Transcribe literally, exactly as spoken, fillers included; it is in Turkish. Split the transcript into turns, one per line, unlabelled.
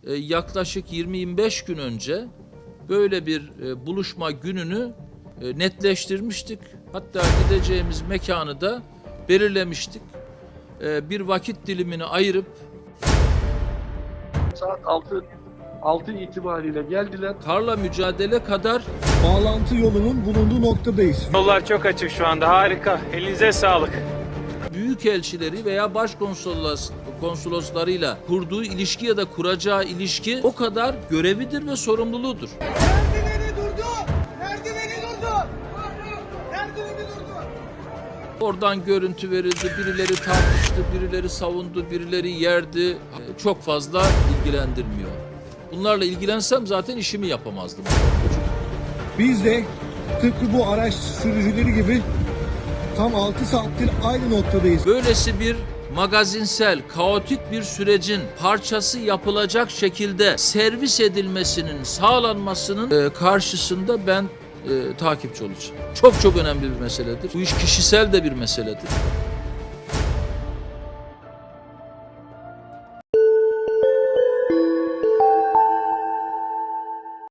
e, yaklaşık yirmi yirmi beş gün önce böyle bir e, buluşma gününü e, netleştirmiştik. Hatta gideceğimiz mekanı da belirlemiştik. E, bir vakit dilimini ayırıp
saat altı altı itibariyle geldiler.
karla mücadele kadar
Bağlantı yolunun bulunduğu noktadayız.
Yollar çok açık şu anda, harika. Elinize sağlık.
büyükelçileri veya başkonsolos konsoloslarıyla kurduğu ilişki ya da kuracağı ilişki o kadar görevidir ve sorumluluğudur.
Merdiveni durdu! Merdiveni durdu! Merdiveni durdu!
Oradan görüntü verildi, birileri tartıştı, birileri savundu, birileri yerdi. Ee, Çok fazla ilgilendirmiyor. Bunlarla ilgilensem zaten işimi yapamazdım.
Biz de tıpkı bu araç sürücüleri gibi tam altı saattir aynı noktadayız.
Böylesi bir magazinsel, kaotik bir sürecin parçası yapılacak şekilde servis edilmesinin sağlanmasının e, karşısında ben e, takipçi olacağım. Çok çok önemli bir meseledir. Bu iş kişisel de bir meseledir.